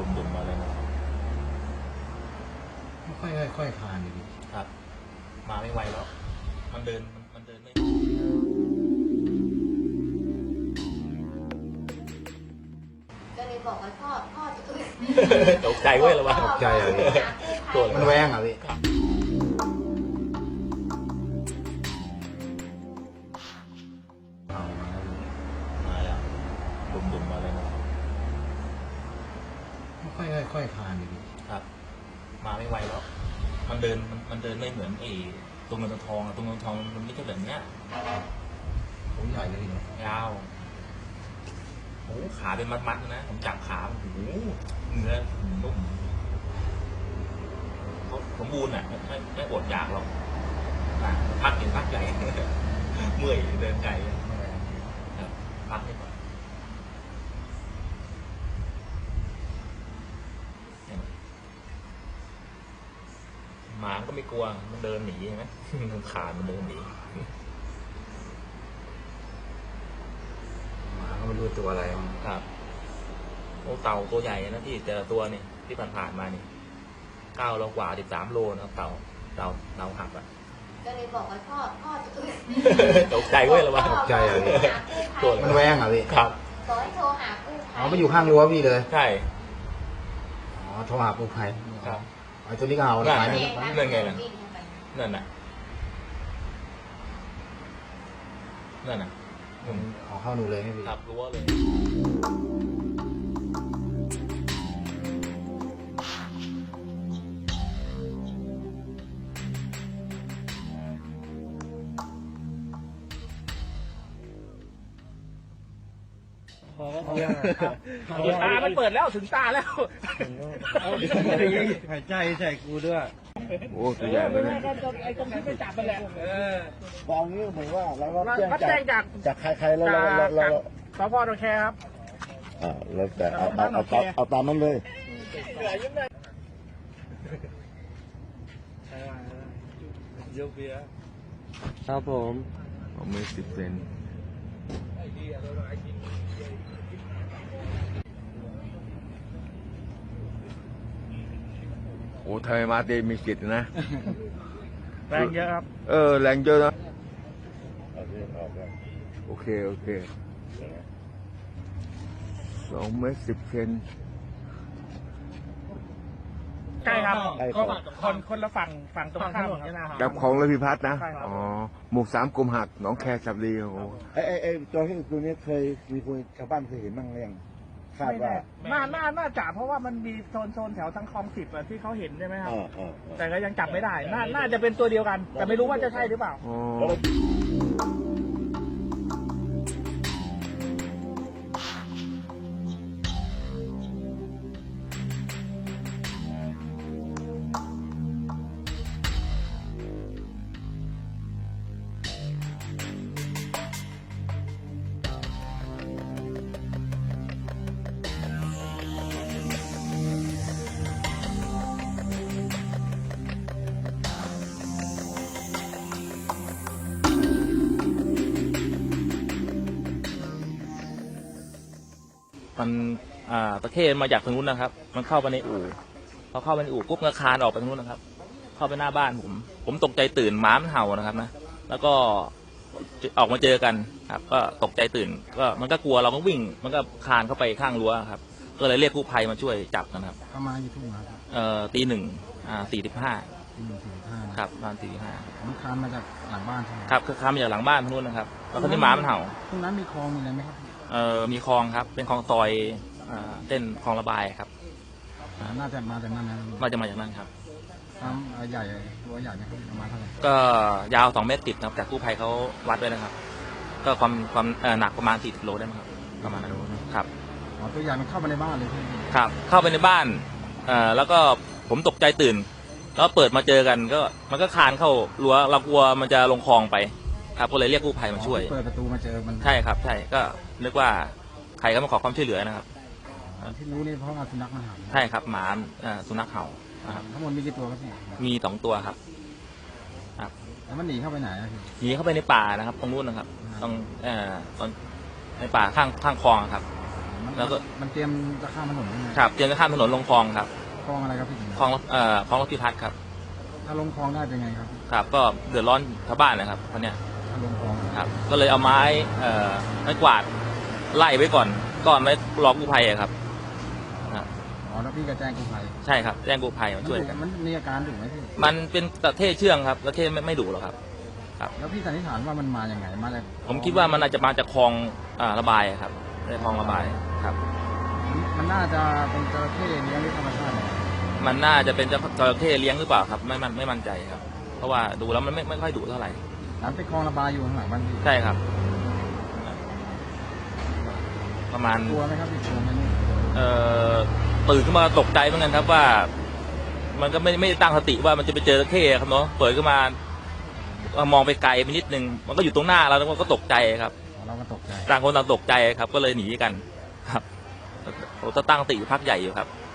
ดุ่มๆมาเลยนะค่อยคลานอยู่ดิครับมาไม่ไหวแล้วมันเดินไม่ก็เลยบอกว่าพ่อจะตื่นตกใจเว้ยละวะตกใจอ่ะพี่ตัวมันแหวงอ่ะพี่เอามาแล้วดุ่มๆมาเลยนะค่อยคลานอยู่ดิครับมาไม่ไหวแล้วมันเดินไม่เหมือนไอ้ตัวเงินตัวทองอะตัวเงินตัวทองมันไม่ใช่แบบเนี้ยผมใหญ่เลยเนี่ยยาวโอ้ขาเป็นมัดๆนะผมจับขาโอ้โหเนื้อนุ่มเขาสมบูรณ์อ่ะไม่อดอยากหรอกพักเห็นพักใหญ่ เมื่อยเดินไกลครับพักให้ก่อนหมาก็ไม่กลัวมันเดินหนีใช่ไหม มันขาดมันเดินหนีหมาก็ไม่รู้ตัวอะไรครับโอ้เต่าตัวใหญ่นะพี่แต่ละตัวนี่ที่ผ่านมานี่9 โลกว่า13 โลนะครับเต่าหักอ่ะก็เลยบอกว่าพ่อจะตื่นตกใจเว้ยละวะตกใจอ่ะพี่ตัวมันแหวงอ่ะพี่ครับบอกให้โทรหากู้ภัยอ๋อไปอยู่ข้างรั้วพี่เลยใช่อ๋อโทรหากู้ภัยครับไอ้ตัวนี้ก็เอานั่นไปไงไม่นั่นไงล่ะ นั่นน่ะนั่นน่ะผมขอเข้าหนูเลยให้พี่ครับรั้วเลยตามันเปิดแล้วถึงตาแล้วหายใจใส่กูด้วยโอ้ตัวใหญ่เลยนะไอ้ตรงที่ไปจับมันแหละตอนนี้เหมือนว่าเราก็รับแจ้งจากใครแล้วเราสพดอนแคครับแล้วแต่เอาตามนั้นเลยครับผมเอามือ10 เซนโอ้ทำไมมาเตมีกิจนะแรงเยอะครับแรงเยอะนะโอเค2 เมตร 10 เซนใช่ครับใช่ครับคนละฝั่งตรงข้ามครับดับของระพิพัฒน์นะใช่ครับอ๋อ หมู่ 3 กรมหัก หนองแคสับดีโอ้โหไอ้ตัวนี้เคยมีคนชาวบ้านเคยเห็นบ้างหรือยังคาดว่าน่าจะเพราะว่ามันมีโซนแถวทางคลอง10อะที่เขาเห็นใช่ไหมครับ แต่ก็ยังจับไม่ได้ น่าจะเป็นตัวเดียวกัน แต่ไม่รู้ว่าจะใช่หรือเปล่าอ๋อมันตะเข้มาจากทางนู้นนะครับ มันเข้าไปในอู่พอเข้าไปในอู่ปุ๊บก็คานออกไปทางนู้นนะครับ เข้าไปหน้าบ้านผมตกใจตื่นหมามันเห่านะครับนะแล้วก็ออกมาเจอกันครับก็ตกใจตื่นก็มันก็กลัวเราก็วิ่งมันก็คานเข้าไปข้างรั้วครับก็เลยเรียกกู้ภัยมาช่วยจับนะครับประมาณกี่ทุ่มครับตี 1:45 ตี 1:45 ครับประมาณตีผมคลานมาจากหลังบ้านใช่ไหม 5ครับคือคานมาจากหลังบ้านทางนู้นนะครับแล้วก็ที่หมามันเห่าตรงนั้นมีคลองมีอะไรไหมครับมีคลองครับเป็นคลองซอยเส้นคลองระบายครับน่าจะมาจากนั้นนะมาจากนั้นครับน้ำใหญ่ตัวใหญ่ไหมครับประมาณเท่าไหร่ก็ยาว2 เมตร 10นะครับจากกู้ภัยเขาวัดไว้นะครับ ก็ความหนักประมาณ40 โลได้มั้งครับประมาณนั้นครับอ๋อตัวใหญ่มันเข้ามาในบ้านเลยพี่ครับ เข้าไปในบ้านแล้วก็ผมตกใจตื่น แล้วเปิดมาเจอกันก็มันก็คานเข้ารั้วเรากลัวมันจะลงคลองไปครับก็เลยเรียกกู้ภัยมาช่วยเปิดประตูมาเจอมันใช่ครับใช่ก็นึกว่าใครก็มาขอความช่วยเหลือนะครับที่รู้นี่เพราะว่าสุนัขมันเห่าใช่ครับหมาสุนัขเห่านะครับทั้งหมดมีกี่ตัวครับพี่มี2 ตัวครับแล้วมันหนีเข้าไปไหนอะพี่หนีเข้าไปในป่านะครับ ตรงนู้นนะครับตรงในป่าข้างคลองครับมันแล้วก็มันเตรียมจะข้ามถนนยังไงครับเตรียมจะข้ามถนนลงคลองครับคลองอะไรครับพี่คลองคลองรถพิพัฒน์ครับถ้าลงคลองได้เป็นไงครับครับ ก็เดือดร้อนชาวบ้านนะครับเพราะเนี้ยถ้าลงคลองครับ ก็เลยเอาไม้ไม้กวาดไล่ไว้ก่อนไว้รอกู้ภัยอะครับอ๋อแล้วพี่ก็แจ้งกู้ภัยใช่ครับแจ้งกู้ภัยมาช่วยกันมันมีอาการดุไหมพี่มันเป็นตะเข้เชื่องครับตะเข้ไม่ดุหรอกครับแล้วพี่สันนิษฐานว่ามันมาอย่างไงมาจากผมคิดว่ามันอาจจะมาจากคลองระบายครับในคลองระบายครับมันน่าจะเป็นจระเข้เลี้ยงด้วยธรรมชาติเนี่ยมันน่าจะเป็นจระเข้เลี้ยงหรือเปล่าครับไม่มั่นใจครับ เพราะว่าดูแล้วมันไม่ค่อยดุเท่าไหร่น้ำเป็นคลองระบายอยู่ข้างหลังบ้านพี่ใช่ครับ ประมาณกลัวไหมครับพี่กลัวไหมนี่ตื่นขึ้นมาตกใจเหมือนกันครับว่า มันก็ไม่ได้ตั้งสติว่ามันจะไปเจอจระเข้ครับเนาะเปิดขึ้นมามองไปไกลไปนิดนึงมันก็อยู่ตรงหน้าเราแล้วก็ตกใจครับเราก็ตกใจต่างคนต่างตกใจครับ ก็เลยหนีกันครับเราตั้งสติอยู่พักใหญ่อยู่ครับ